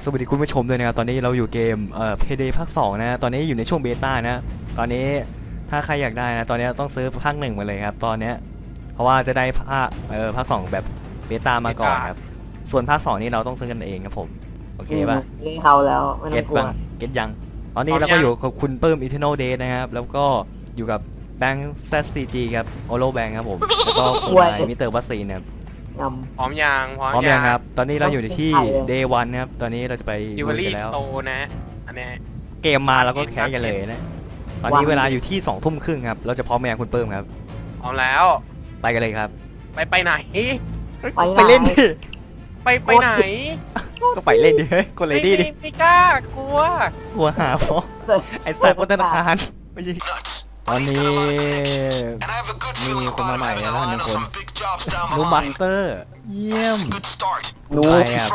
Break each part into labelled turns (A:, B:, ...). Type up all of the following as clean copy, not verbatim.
A: วัสดีคุณผู้ชมด้วยนะครับตอนนี้เราอยู่เกมPayday ภาค2นะตอนนี้อยู่ในช่วงเบต้านะตอนนี้ถ้าใครอยากได้นะตอนนี้ต้องซื้อภาค1มาเลยครับตอนนี้เพราะว่าจะได้ภาค2แบบเบต้ามาก่อนครับส่วนภาค2นี่เราต้องซื้อกันเองครับผมโอเคป่ะ
B: เขาแล้วไม่ต้องกลัว
A: เก็ตยังตอนนี้เราก็อยู่กับคุณเปิ้ม Eternal Day นะครับแล้วก็อยู่กับแบงค์ ZCG ครับโอโลแบงค์ครับผมแล้วก็คุณนายมิสเตอร์วัสซีนะครับ
C: พร้อมยัง
A: ครับตอนนี้เราอยู่ที่ Day 1นะครับตอนนี้เราจะไป
C: จิวเวลรี่สโตร์นะอันนี้
A: เกมมาแล้วก็แคสกันเลยนะตอนนี้เวลาอยู่ที่2 ทุ่มครึ่งครับเราจะพร้อมแม่คุณเปิ้มครับ
C: พร้อมแล้ว
A: ไปกันเลยครับ
C: ไปไหน
A: ไปเล่นดิ
C: ไปไหน
A: ก็ไปเล่นดิเฮ้ยกดเลยดิ
C: ไม่กล้ากลัว
A: หาเพราะไอ้สัตว์บนธนาคารไม่ใช่ตอนนี้มีคนมาใหม่แล้ว1 คนนูมาสเตอร์เยี่ยม
B: นู
A: ไปครับ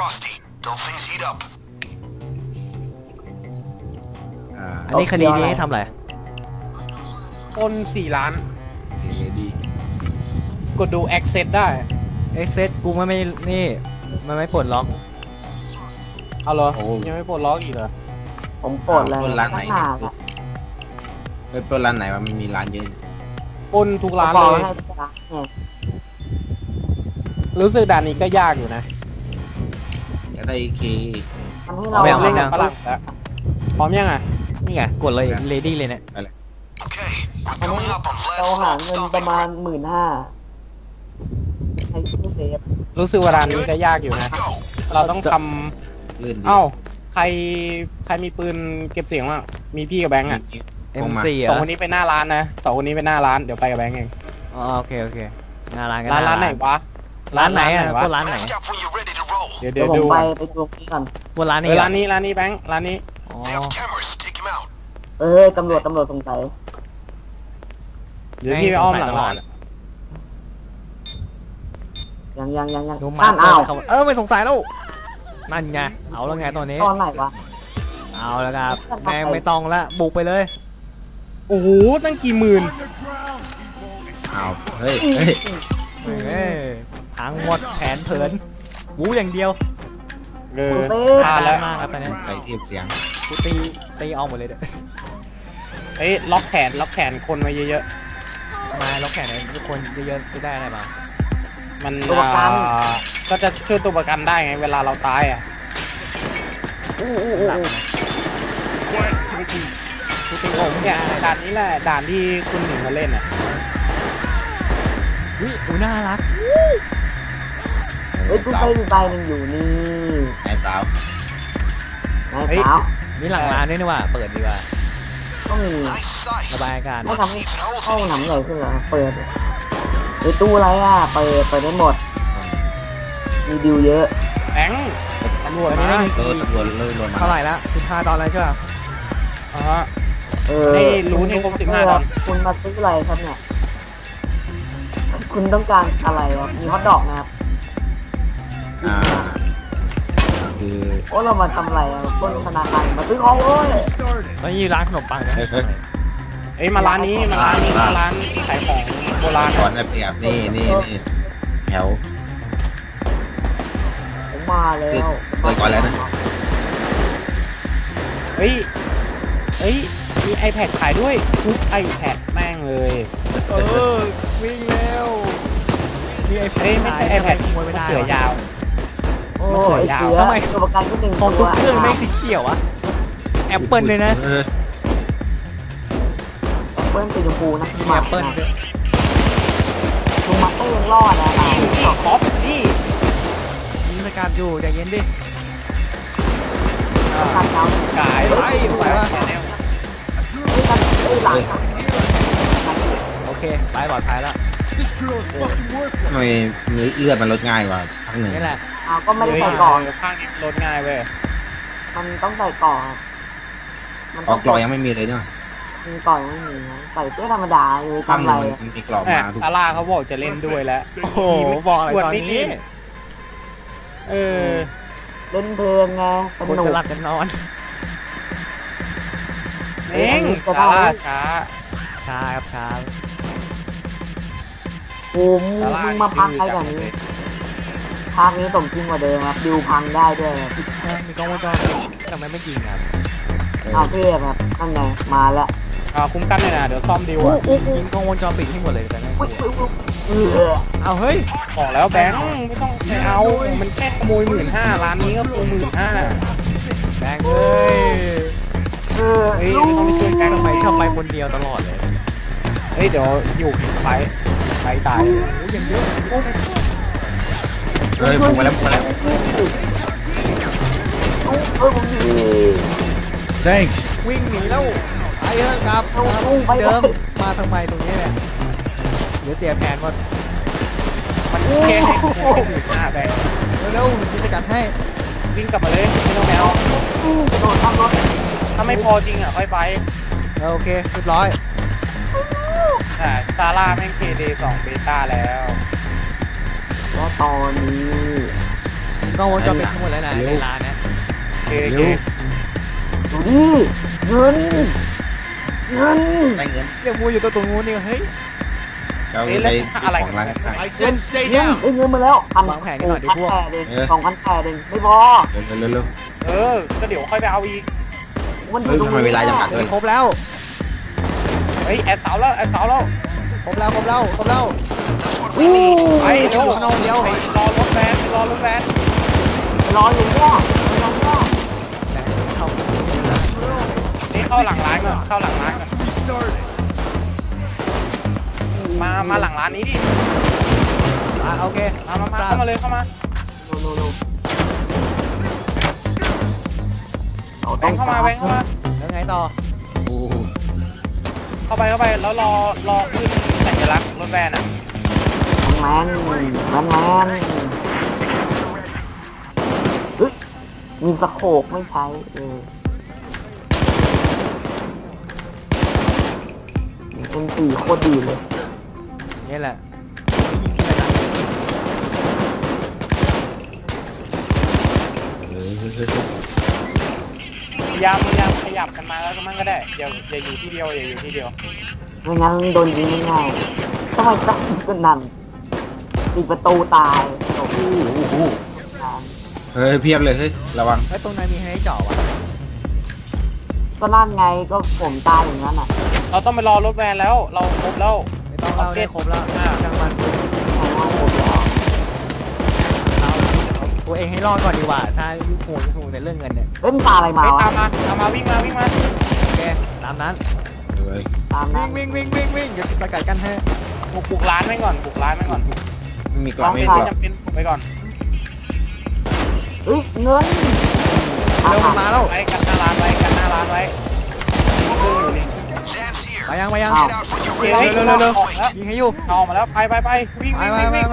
A: อันนี้คดีนี้ทำอะไร
C: คน4 ล้านกดดู access ได้
A: access กูไม่นี่มันไม่ปลดล็อก
C: เอาเหรอยังไม่ปลดล็อกอีกเหรอ
B: ผมปลดแล้ว
D: ปลดร้านไหนปลดร้านไหนวะมันมีร้านเยอะ
C: ปล้นทุกร้านเลยรู้สึกด่านนี้ก็ยากอยู่นะ
D: อยากได้เค
C: เราเล่นกับฝรั่งแล้วพร้อมยังอ่ะ
A: นี่ไงกดเลยเลดี้เลยเนี่ย
B: เราหาเงินประมาณ15,000ให้ตู้เซฟ
C: รู้สึกว่าด่านนี้ก็ยากอยู่นะเราต้องทำเอ้าใครมีปืนเก็บเสียงมั้งมีพี่กับแบงค์อ่ะ
A: M4
C: สองคนนี้ไปหน้าร้านนะ2 คนนี้ไปหน้าร้านเดี๋ยวไปกับแบงค์เอง
A: โอเคหน้าร้านกัน
C: ร้านไหนวะ
A: ร้านไหนอ่ะก็ร้านไหน
C: เดี๋ยว
B: ดูไปดูนี่ก่อน
A: ว่าร้าน
C: นี้แบงค์ร้านนี้
B: ตำรวจสงสัย
C: เดี๋ยวพี่ไปอ้อมหลังร้าน
B: ยัง
A: ไม่สงสัยแล้วนั่นไงเอาแล้วไงตอนนี้
B: ตอนไหนวะ
A: เอาแล้วครับแม่งไม่ต้องละบุกไปเลย
C: โอ้โหตั้งกี่หมื่น
D: เอาเฮ้ย
A: พังหมดแผนเผินบูอย่างเดียว
C: พลาดแล้ว
A: มากครับตอนนี้
D: ใส่เทียบเสียง
A: กูตีเอาหมดเลยเด้อ
C: ล็อกแขนคนมาเยอะ
A: ๆมาล็อกแขนทุกคนเยอะๆจะได้อะไรมา
C: มันก็จะช่วยตัวประกันได้ไงเวลาเราตายอ่ะเนี่ยด่านนี้แหละด่านที่คุณหนิงมาเล่นอ่ะ
A: น่ารัก
B: กูไปดูใบมันอยู่นี่
D: นายสาว
A: นี่หลังร้านด้วยนี่ว่าเปิดดีกว่า
B: ก็มี
A: ระบายอากาศ
B: ไม่ทำให้ห้องหนังใหญ่ขึ้นเหรอเปิดตู้อะไรอ่ะเปิดได้หมดมีดิวเยอะ
C: แบงค์ตำรวจ
D: มาตำรวจเลยลงมา
A: เท่าไหร่ละ15 ดอลลาร์ใช่ป่ะ
C: ให้รู้นี่ครบ15 ดอลลาร์
B: คุณมาซื้ออะไรครับเนี่ยคุณต้องการอะไรครับมีฮอทดอกนะครับ
D: คือ
B: เรามาทำอะไรปล้นธนาคารมาซื้อของเลย
A: ไม่มีร้านขนมปังนะ
C: มาร้านนี้ร้านขายของโบราณ
D: ก่อนนะเปียบนี่แถว
B: ผมมาแล้ว
D: เปิดก่อนแล้วนะ
C: มี iPad ขายด้วยทุก iPad แม่งเลย
A: วิ่งแล้ว
C: มีไม่ใช่ iPad มันเสือยาว
B: มันเสือยาว
A: ทำไม
B: ตัวประกันก็1
A: ของทุกเครื่องแม่งสีเขียวอะแอปเปิลเลยนะ
B: แอปเปิลสีชมพูนะ
A: แอปเปิล
B: ลุงมาเตอร์ยังรอดนะ
C: ท็อปนี่
A: มีสกัดอยู่ใจเย็นดิ
C: กาย
A: ไปวะโอเคไปปลอดภัยแล้ว
D: ทำไมเลือดมันลดง่ายกว่าภาค 1
A: นี่แหละ
B: ก็ไม่ได้ใส่ก่อน
C: ข้างนี้ลดง่ายเว้ย
B: มันต้องใส่ก่อน
D: กรอกยังไม่มีเลยเนี่ย
B: มีก่อนไม่มีใส่เสื้อธรรมดาเลย
D: ทำอะไรมันมีกรอกมา
C: ซาร่าเขาบอกจะเล่นด้วยแล้ว
A: โอ้โหบอกอะไรตอนนี้
B: เล่นเพลงไงสนุก
A: จะหลับจะนอน
C: ซาร่าช้า
A: ครับช้า
B: มึงมาพักใครแบบนี้ภาคนี้สมจริงกว่าเดิมครับดิวพังได้ด้วยครับ
A: มีกล้องวงจรปิดทำไมไม่ยิงครับ
B: อาเทพครับนั่นไงมาแล้ว
C: คุ้มกันเลยนะเดี๋ยวซ่อมดิว
B: อู้
C: อ่ะ
B: อู้อู้
A: ยิงกล้องวงจรปิดให้หมดเลยแต่นะ
B: อู้อู้
A: เอาเฮ้ย
C: บอกแล้วแบงค์ไม่ต้องไปเอามันแค่ขโมย15,000ร้านนี้ก็คือ15,000
A: แบงค์เอ้ย
B: เออ
C: เฮ้ย
B: ลู
C: ไม่ต้องไปช่วยแบงค์
A: ทำไมชอบไปคนเดียวตลอดเลย
C: เฮ้ยเดี๋ยวอยู่ไปตาย
A: โอ้ยยังเยอะ
D: เฮ้ยบุกมาแล้วบุกมาแล้ว
B: ผมดี
E: Thanks.
A: วิ่งหนีแล้วไปเถอะครับ
B: ไป
A: เดิมมาทำไมตรงนี้เนี่ยเดี๋ยวเสียแผนหมด
C: มันแค่ให้ขโมย15,000แบงค์
A: เร็วๆผมจะจัดให้
C: วิ่งกลับมาเลยไม่ต้องไปเอา
B: โดนทำรถ
C: ถ้าไม่พอจริงอ่ะค่อยไป
A: โอเคเรียบร้อย
C: แต่ซาร่าแม่ง KD 2เบต้าแล้ว
B: แล้วตอนนี้
A: กล้องวงจรปิดทั้งหมดแล้วนะในร้านนะ
C: เค
D: เร็ว
B: ดูดิเงิน
D: ได้เงิน
A: เดี๋ยวมูอยู่ตัวตรงนู้นนี่เฮ้ย
D: เราไปของร้านขาย
E: I said stay
B: เงิน
E: down.
B: เงินมาแล้ว2,800 ไม่พอ
D: เร็ว
C: ก็เดี๋ยวค่อยไปเอาอีก
B: มัน
D: เฮ้ยทำไมเวลาจำกัดด้วย
A: ครบแล้ว
C: เฮ้ยแอดเสาแล้วแอดเสาแล้ว
A: ครบแล้วครบแล้วครบแล้ว
B: อู้
C: ไปเดี๋ยวรอรถแวนรอรถแวน
B: รออยู่เนี่ยรอเนี่ย
C: นี่เข้าหลังร้านก่อนเข้าหลังร้านก่อน
E: Restarted.
C: มาหลังร้านนี้ดิ
A: โอเค
C: มาเข้ามาเลยเข้ามา
B: ดู
C: แบงค์เข้ามาแบงค์เข้ามา
A: แล้วไงต่อ
D: โอ้โห
C: เข้าไปแล้วรอขึ้นสัญลักษณ์รถแวนอ่ะ
B: แมนเฮ้ยมีสโคปไม่ใช้เป็น4โคตรดีเลย
A: นี่แหละ
C: พยายามขยับกันมาแล้วมันก็ได้อย่าอยู่ที่เดียวอย่าอยู่ที่เดียว
B: ไม่งั้นโดนยิงง่ายๆทำไมต้องกันนั่นปิดประตูตายโอ้โห
D: เฮ้ยเพียบเลยเฮ้ยระวัง
A: แล้วตรงนั้นมีให้เจาะวะ
B: ก็นั่นไงก็ผมตายอย่างนั้นอ่ะ
C: เราต้องไปรอรถแวนแล้วเราครบแล้ว
A: ไม่ต้องเล่าได้ครบแล้วช่างมัน
B: เอาหมดแล้ว
A: เอาตัวเองให้รอดก่อนดีกว่า ถ้ายุ่งห่วงในเรื่องเงินเนี่ย
B: เล่นตาอะไรมา
C: ไป
B: วะ
C: ตามมาวิ่งมา
A: โอเคตามนั้น
D: เฮ้ย
B: ตามนั้น
A: วิ่งเดี๋ยวสกัดกันให้
C: บุกร้านไว้ก่อนบุกร้านไว้ก่อน
D: ไม่มีกล่องไม่มี
C: ไม่
D: กล่อง
C: จำเป็นบุกไปก่อน
B: เฮ้ยเงิน
A: เร็วมาแล้ว
C: ไว้กันหน้าร้านไว้เครื่องอยู่นี่
A: มายัง
C: เร็ว
A: ยิงให้อยู่
C: ออกมาแล้วไปวิ่ง
A: ไป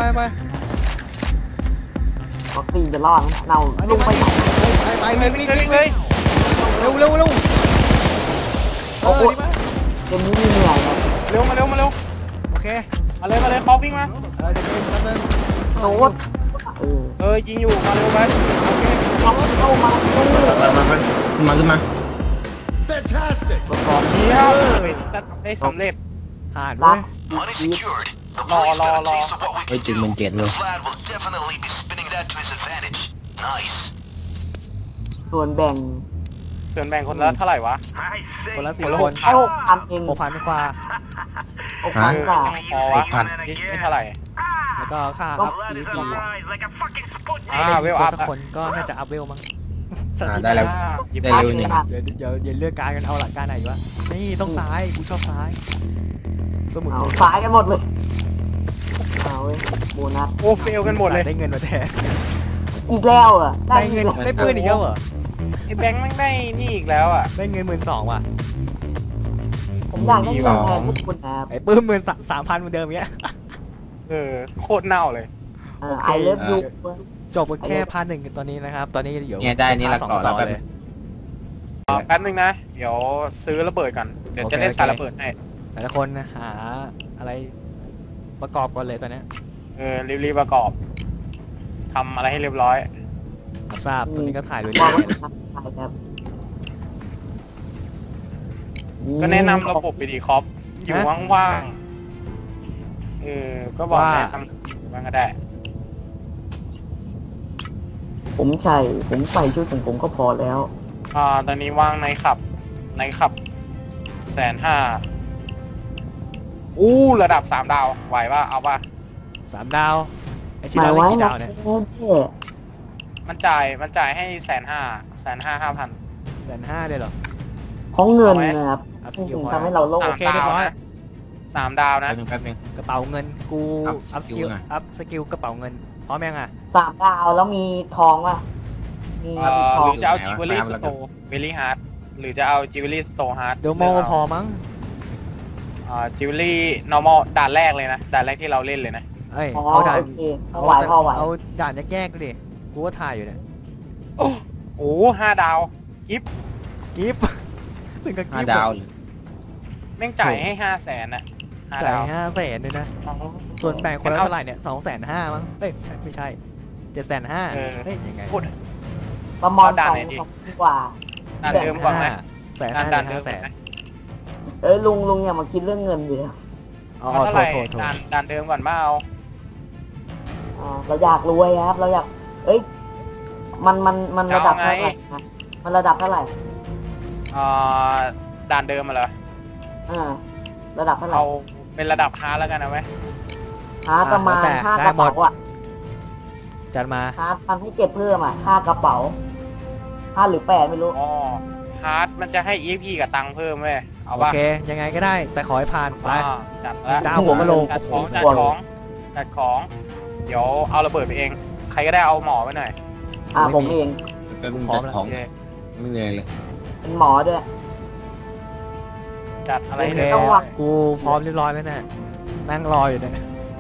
B: วัคซีนจะรอดเน่าลุงไปไหน
A: วิ่ง
C: เลย
A: เร็ว
B: โอ้โหเกมนี้มีเหนื่อยนะ
C: เร็วมาเร็ว
A: โอเค
C: มาเลยคอวิ่งมา
A: เดี๋ยวแป๊บนึง
B: โน้ต
C: ยิงอยู่มาเร็วไป
B: เข้ามา
D: ขึ้นมา
E: Fantastic.
B: ประกอบ
C: เชี่ยวได้สำเร็จ
A: ผ่าน
B: รั
A: เว้
B: ก
A: ย
F: Money secured. The
C: Rò,
F: police got a
C: rò.
F: taste of what we
D: Ôi,
F: can
D: chừng
F: do.
D: mình chết luôn.
F: Vlad will definitely be spinning that to his advantage. Nice.
B: ส่วนแบ่ง
C: ส่วนแบ่งคนละเท่าไหร่วะ
A: คนละ
C: คนละ
A: 4 คน
B: ให้6,000เอง
A: 6,000กว่า
B: 6,000กว่า
C: พอวะไม่เท่าไหร่
A: แล้วก็ค่าอัพ PVP
C: เวลอัพ
A: สักคนก็น่าจะอัพเวลมั้ง
D: ได้แล้ว
C: หยิบ
D: ได้เร็วหนึ่ง
A: เดี๋ยวเลือกการกันเอาหลักการไหนวะนี่ต้องซ้ายกูชอบซ้ายสมุน
B: เอาสายกันหมดเลยเอาเว้ยโบนัส
C: โอ้เฟลกันหมดเลย
A: ได้เงินมาแทน
B: อีกแล้วอ่ะ
A: ได้เงินได้ปืนอีกแล้วเหรอ
C: ไอ้แบงค์แม่งได้นี่อีกแล้วอ่ะ
A: ได้เงิน12,000ว่ะ
B: ผมอยากได้เงินแทนพวกคุณนะครับ
A: ไอ้ปื้ม13,000เหมือนเดิมเงี้ย
C: โคตรเน่าเลย
B: ไอเลิฟยู
A: จบกันแค่พาร์ท 1ตอนนี้นะครับ ตอนนี้เดี๋ยว
D: เนี่ยได้นี่ละต่อแล้ว
A: เลย
C: แป๊บนึงนะ เดี๋ยวซื้อระเบิดกัน เดี๋ยวจะเล่นสายระเบิดให้
A: แต่ละคนหาอะไรประกอบก่อนเลยตอนนี้
C: รีบประกอบทำอะไรให้เรียบร้อย
A: ทราบตอนนี้ก็ถ่ายด้วย
B: บอกว่าครับ
C: ก็แนะนำระบบไปดีคอปอยู่ว่างๆก็บอกแนะนำว่างก็ได้
B: ผมใส่ชุดของผมก็พอแล้ว
C: ตอนนี้ว่างในขับ150,000ระดับ3 ดาวไหวป่ะเอาป่ะ
A: 3 ดาวไอ้ที่
B: หมาย
A: เราเล่
B: ไว้
A: นกี่
B: นะ
A: ดาวเนี่ย
C: มันจ่ายให้150,000
A: 150,000เลยเหรอ
B: ของเงินนะครับ
A: เอา
B: จ
A: สกิ
B: ริ
A: ล
B: ง
A: พอ
B: ๆทำให้เราโลภ
A: โอเคเรียบร้อย
C: 3 ดาวนะ
D: แป๊บนึง
A: กระเป๋าเงินกู
D: อัพ
A: อัพ
D: ส
A: ส
D: กิ
A: กิ
D: ล
A: ล
D: หน่อย
A: อัพสกิลกระเป๋าเงินพร้อมยังอ่ะ
B: 3 ดาวแล้วมีทองว่ะมี
C: ห
B: ทอ
C: รื
B: ง
C: อจะเอา
D: ไหน
C: จิว
D: วะ
C: เวลรี่
D: ตาม
C: ส
D: แล้ว
C: โต
D: กัน
C: ร์เวลี่ฮาร์ดหรือจะเอาจิวเวลรี่สโตร์ฮาร์ด
A: เดี๋ยวโมก็พอมั้ง
C: จิวเวลรี่ normal ด่านแรกเลยนะด่านแรกที่เราเล่นเลยนะ
A: เอ้ย
B: อ๋อ
A: เอาด่าน
B: โอเคพอไหว
A: เอาด่านแยกๆก็ดิกูก็ถ่ายอยู่เนี่ย
C: โอ้5 ดาวกิฟ
A: กิฟต์ ถึงกับกิฟต์
D: 5 ดาว
C: แม่งจ่ายให้500,000อ่ะ5
A: จ่าย
C: ดาว
A: 500,000ด้วยนะ ส่วนแบ่งคนละเท่าไหร่เนี่ย250,000มั้งเอ้ยไม่ใช่750,000เฮ้ยยังไง
C: พูด
B: ประมาณ
C: เอาด่านไหนดี
B: 2 กว่า
C: ด่านเดิมก่อนไหม
A: 150,000
C: ด่านเดิมก่อนไหม
B: ลุงอย่ามาคิดเรื่องเงินดิ
A: อ๋อ
C: เอาเท่าไหร่
A: โทษ
C: ด่านเดิมก่อนมาเอา
B: เราอยากรวยครับเราอยากมันระดับเท่าไหร่นะมันระดับเท่าไหร่
C: ด่านเดิมมาเหรอ
B: ระดับเท่าไหร่
C: เอาเป็นระดับฮาร์ดแล้วกันนะเว้ย
B: หาประมาณค่ากระเป๋าอ่ะ
A: จัดมา
B: หามันให้เก็บเพิ่มอ่ะค่ากระเป๋า5 หรือ 8ไม่รู้
C: อ๋อฮาร์ดมันจะให้ EXP กับตังค์เพิ่มเว้ยเอา
A: โอ
C: ป่ะ
A: เคยังไงก็ได้แต่ขอให้ผ่านไป
C: จัดแล้ว
A: ดาวหัวกะโหลก
C: จัดของเดี๋ยวเอาระเบิดไปเอง ใครก็ได้เอาหมอไปหน่อย
B: ผมเอง
D: แป๊บนึง
A: พร้อ
D: จั
A: ม
D: ด
A: แล้ว
D: ของ
C: โอเค
D: ไม่เหนื่อยเลย
B: เป็นหมอด้วย
C: จัดอะไร
A: โอเค
C: เลย
B: ต้องวาง
A: กูพร้อมเรียบร้อยแล้วเนี่ยนั่งรออยู่เนี่ย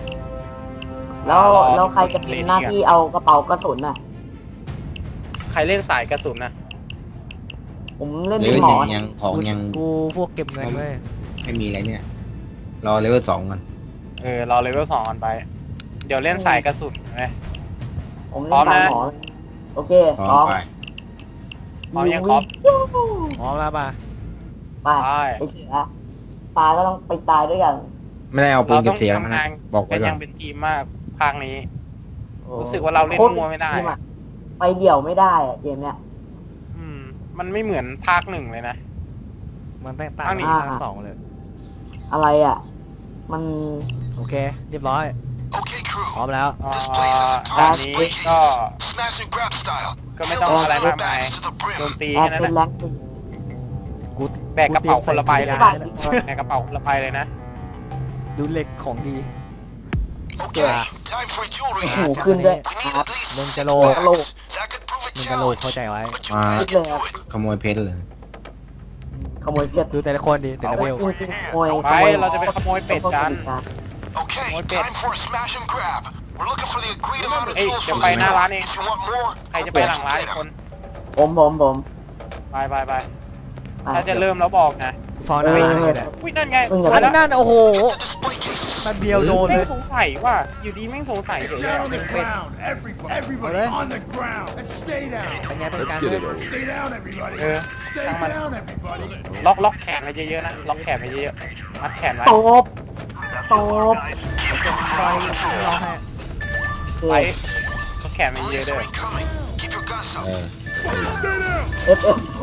B: แล้วใครจะเป็นหน้าที่เอากระเป๋ากระสุนน่ะ
C: ใครเล่นสายกระสุนนะ
B: ผมเล่น
D: เล
B: เป็น
D: เวล
B: หมอ
D: ยังของยัง
A: กูพวกเก็บเงินเว้ย
D: ไม่มีอะไรเนี่ยรอเลเวล2ก่อน
C: รอเลเวล2กันไป เดี๋ยวเล่นสายกระสุนไหม
B: ผม
C: พร้
B: เล่
C: อน ม
B: สาย
C: นะ
B: หมอโอเค
D: พร้
B: พร้
D: อ
B: อ
D: ม
B: ม
D: ไป
C: พร้อมยังครับ
A: พร้อมแล้วป่ะ
B: ไป
C: ไป
B: ไปเสียตายก็ต้องไปตายด้วยกัน
D: ไม่ได้เอาปืนเก็บเสียง
C: เรา
D: มา
C: ต้อง
D: นะ
C: ทำงาน
D: บอกไว้
C: กัน
D: ก่
C: ยั
D: อน
C: งเป็นทีมมากภาคนี้
A: โอ้
C: รู้สึกว่าเราเล่น
B: โคตร
C: มัวไม่ได้
B: ทีอะไปเดี่ยวไม่ได้อะเกมเนี้ย
C: มันไม่เหมือนภาค 1เลยนะ
A: มันแตกต่าง
C: อันนี้
A: จากภาค 2เลย
B: อะไรอ่ะ มัน
A: โอเคเรียบร้อย
F: Okay, crew.
A: พร้อมแล้ว
F: This place is
C: ด่าน
F: top
C: นี้
F: secret.
C: ก็
F: Smash and grab style.
C: ก็ไม่ต้องอะไรมากมาย
F: Bags to the
C: โจม
F: brim.
C: ตี
B: แอ
C: แค่
B: ร์
C: นั้น
B: เซน
C: นะ
B: แลงค์
A: กู
C: แบกกระเป๋าคนละใบเลย
A: กู
C: นะ
A: เตรียมใส่
C: แบกกระเป๋าคนละใบเลยนะ
A: ดูเหล็กของดี
F: Okay, time for jewelry.
B: โอ้โหขึ้นด้วย
F: We need
B: ครับ
F: at least
A: มึง
F: six
A: จะโล
F: bags.
B: กะโหลก
F: That could prove a
A: มึงกะโหลก
F: challenge.
A: เข้าใจไว้
F: But you
D: มา
F: have to do it.
D: ขโมยเพชรเลย
B: ขโมยเพชร
A: ดูแต่ละคนดิแต่ละเวล
B: จริงๆขโมย
C: ไป เราจะไปขโมยเป็ดกัน
F: Okay,
C: More bit.
F: time for a smash and grab. We're looking for the agreed amount of
C: Hey,
F: jewels
C: ดี๋ยว
F: from
C: ไป
F: the
C: หน้าร้านเอง
F: If you want more,
C: ใครจะไปหลังร้านอีกคน
B: ผม
C: ไป
B: ไป
C: ถ้าจะเริ่มแล้วบอกนะ
A: ฟาวนาอยู่เนี่ย
C: อุ้ยนั่นไง
B: เออ
A: อันนั้นโอ้โห
F: the display cases.
A: นัดเดียวโดนเล
C: แม่ง
A: ย
C: สงสัยว่า อยู่ดีแม่งสงสัยเฉย
E: Down on the
A: Wait.
E: ground, everybody
A: Okay.
E: on the ground, and stay down.
A: เป็นไงเป็นการเล่น
E: Stay down, everybody.
C: Yeah.
E: Stay
C: Come on.
E: down, everybody.
C: ล็อกแขนไว้เยอะๆนะ ล็อกแขนไว้เยอะๆมัดแขนไว้
B: ตบ
A: คอยรอให้
C: ไปล็อกแขนไว้เยอะ
F: Police
C: ๆด้ว
F: are
C: ย
F: incoming. Keep your guns
D: เอ
F: up.
D: อ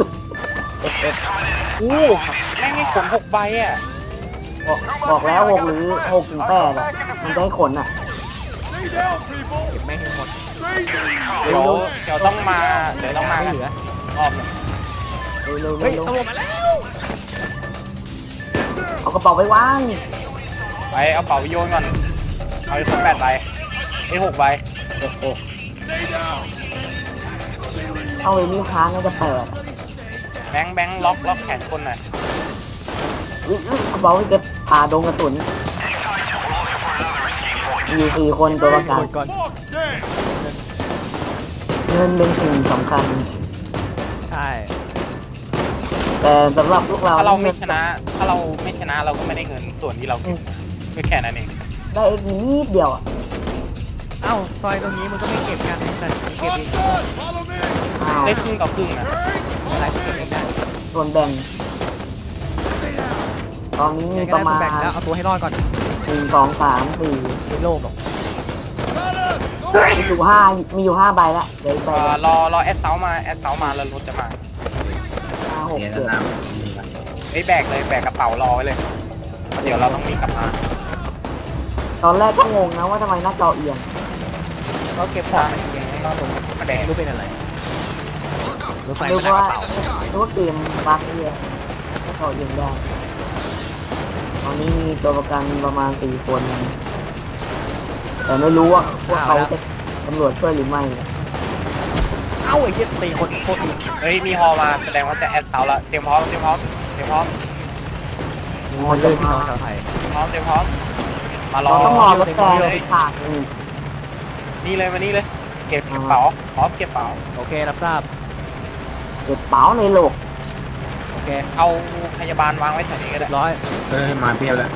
B: FF
C: แม่งให้ขน6 ใบอ่ะ
B: บอกแล้ว6 หรือ6 ถึง 8อ่ะมันจะให้ขนอ่ะ
E: Stay down, people.
A: เก็บแม่งให้หมด
E: Stay down.
C: เดี๋ยวต้องมากัน
A: ไม่เหลือ
C: รอบหนึ่ง
B: เร็ว
A: เฮ้ยตำรวจมาแล้ว
B: เอากระเป๋าไปวาง
C: ไปเอาเป๋าไปโยนก่อน เอาไปคน8 ใบไอ้6 ใบ
E: Stay down.
B: เอาไว้นี่ค้างน่าจะ8
C: แบงค์ล็อกแขนคนหน่อย
B: กระเป๋าไปเก็บผ่าดงกระสุนมี4 คนตัวประกัน
A: หมดก่อน
E: Lock down.
B: เงินเป็นสิ่งสำคัญ
A: ใช่
B: แต่สำหรับพวกเรา
C: ถ้าเราไม่ชนะเราก็ไม่ได้เงินส่วนที่เราเก็บก็แค่นั้นเอง
B: ได้เอ็กซ์นิดเดียวอ่ะ
A: เอ้าซอยตรงนี้มันก็ไม่เก็บกันแต่เก็บเอง
E: Follow me.
B: อ้าว
C: ได้ครึ่งต่อครึ่งนะ
A: อะไรก็เก็บเองได้
B: ส่วนแบ่ง ตอนนี้มี
A: ยังไง
B: ป
A: ก็
B: ระ
A: ได้
B: มา
A: ส่วน
B: ณ
A: แบ่งแล้วเอาตัวให้รอดก่อน
B: 1 2 3 4
A: ในโลกหรอก
E: Got us. Go
B: มีอยู่5ใบละเดี๋ยวอีกใบละ
C: รอแอดเซามาแล้วรถจะมา
B: 5 6
D: เสีย
B: 7
D: น้ำนี่ไป
C: เฮ้ยแบกกระเป๋ารอไว้เลยเดี๋ยวเราต้องมีกลับมา
B: ตอนแรกก็งงนะว่าทำไมหน้าจอเอียง
A: ก็เก็บของมันเองไง
C: ก็ลงมาแดง
A: ไม่รู้เป็นอะไรรถไฟ
B: นึ
A: ไม่
B: ก
A: ได้ก
B: ว่า
A: ระเป๋า
B: นึกว่าเกมบั๊กเอียงหน้าจอเอียงได้ตอนนี้มีตัวประกันประมาณ4 คน แต่ไม่รู้ว่าพวกเขาจะตำรวจช่วยหรือไม่
A: เอ้าไอ้เชี่ยตีคนโคตรดี
C: เฮ้ยมีฮอมาแสดงว่าจะแอดเซาแล้วเตรียมพร้อม
A: มันเลยพี่น้องชาวไทย
C: มารอ
B: เราต้องรอรถแดงไปฉากนึง
C: นี่เลยมานี่เลยเก็บกระเป๋าพร้อมเก็บเป๋า
A: โอเครับทราบ
B: เก็บเป๋าในโลก
A: โอเค
C: เอาพยาบาลวางไว้แถวนี้ก็ได้
A: ร้อย
D: มาเพียบแล้ว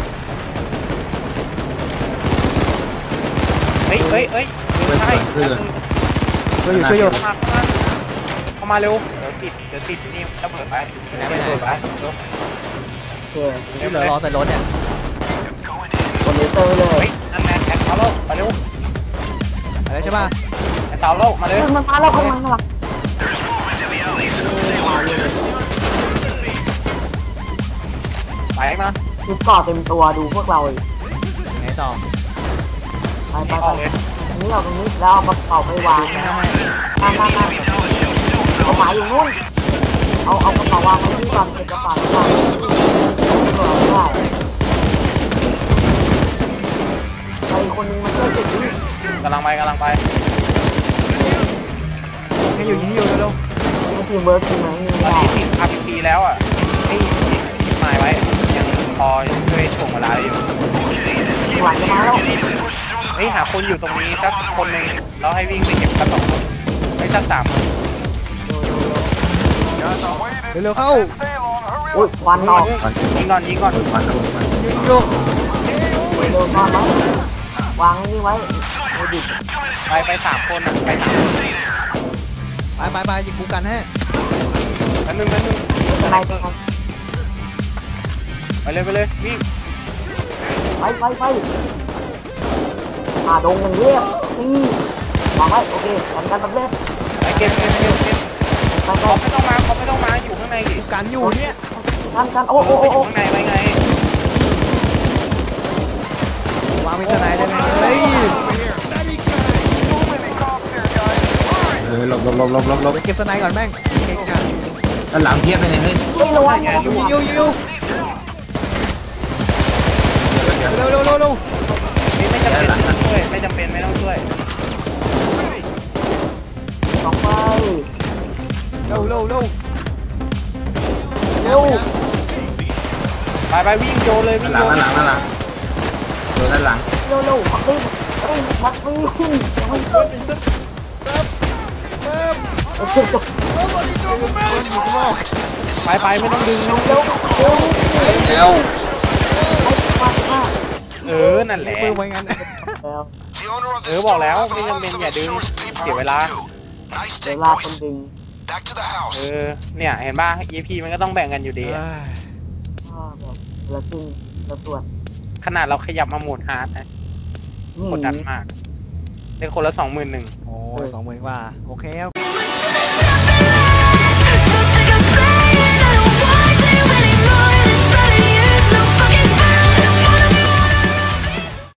C: เฮ้ยใช่
A: ช่วยอยู่
C: เข้ามาเร็วเดี๋ยวติดนี่ระเบิดไประเบิดไป
B: โอเค
A: นี่เหลือรอแต่รถเนี่ย
B: กดเลเซอร์เลย
C: เฮ้ยนั่นแหละแอดเซาโลกมาเร็ว
A: อะไรใช่ป่ะ
C: แอดเซาโลกมาเร็ว
B: มันมาแล้วข้างหลัง
C: ไปมา
B: ชุดเกาะเต็มตัวดูพวกเราอีก
A: ไงต่อ
B: ไป
C: นี่ออกเลย
B: อันนี้เอาตรงนี้แล้วเอากระเป๋าไปวางมาเอาหมายอยู่นู่นเอากระเป๋าวางไว้ที่ก่อนเก็บกระเป๋าไว้ก่อนได้ใครคนนึงมาช่วยเก็บดิ
C: กำลังไป
A: ให้อยู่เร็ว
B: มันทีมเวิร์กจริงไหมนี่
C: ตอน
B: ได้
C: นี้ติด RPP แล้วอ่ะให้ติดหมายไว้ยังพอช่วยถ่วงเวลาได้อยู่
B: หลังจะมาแล้ว
C: เฮ้ยหาคนอยู่ตรงนี้สักคนหนึ่งแล้วให้วิ่งไปเก็บสัก2 คนไม่สัก3 คน
A: เร็วเข้า
B: อุ้ยควันออก
C: ยิงก่อน
A: อยู่
B: เร็วนอนไว้วางนี่ไว้ไม่ดิ
C: ไป3 คนอ่ะไป3 คน
A: ไปยิงกูกันให้
C: แป๊บนึง
B: ข้างใน
C: ไปเลยวิ่ง
B: ไปดงอย่างเรียบนี่วางไว้โอเคกันสำเร็จ
C: ไปเก็บ
B: ไป
C: เขาไม่ต้องมาอยู่ข้างในดิ
A: กูกันอยู่เนี่ย
B: กันโอ้
C: ไปอยู่ข้างในไว้ไง
A: วางมิเตอร์ไหนได้ไหมเฮ้ย
D: หลบ
A: ไปเก็บสไนก่อนแม่งเก่งอ่ะ
D: ด้านหลังเพียบเลยเนี่ยเฮ้ย
B: ไม่ระวัง
A: ยิวเร็ว
C: ไม่จำเป็นไม่ต้องช่วย
B: สองไป
A: เร็ว
B: เร็ว
C: ไปวิ่งโยนเลยวิ่งโยน
D: ด้านหลังโดนด้านหลัง
B: มักวิ่งมักวิ่งยังไม่เกินโอเคจบ
C: ไปไม่ต้องดึง
B: เร็ว
C: นั่นแหละ
A: มือไว้งั้น
B: แล้ว
F: The owner of
C: เอ
F: this
C: อบอกแล้ว
F: store
C: ไม่
F: will
C: จำเป็น
F: have
C: อย่า
F: some
C: ดึง
F: insurance
C: เสียเวลา
F: paperwork due. Nice
B: เว
F: take,
B: ลาคน
F: boys.
B: ดึง
F: Back to the house.
C: เนี่ยเห็นป่ะ EP มันก็ต้องแบ่งกันอยู่ดี
B: แบบแล้วดึงแล้วตรวจ
C: ขนาดเราขยับมาโหมดฮาร์ดนะกดดันมากได้คนละ 21,000
A: โอ้ย20,000 กว่าโอเค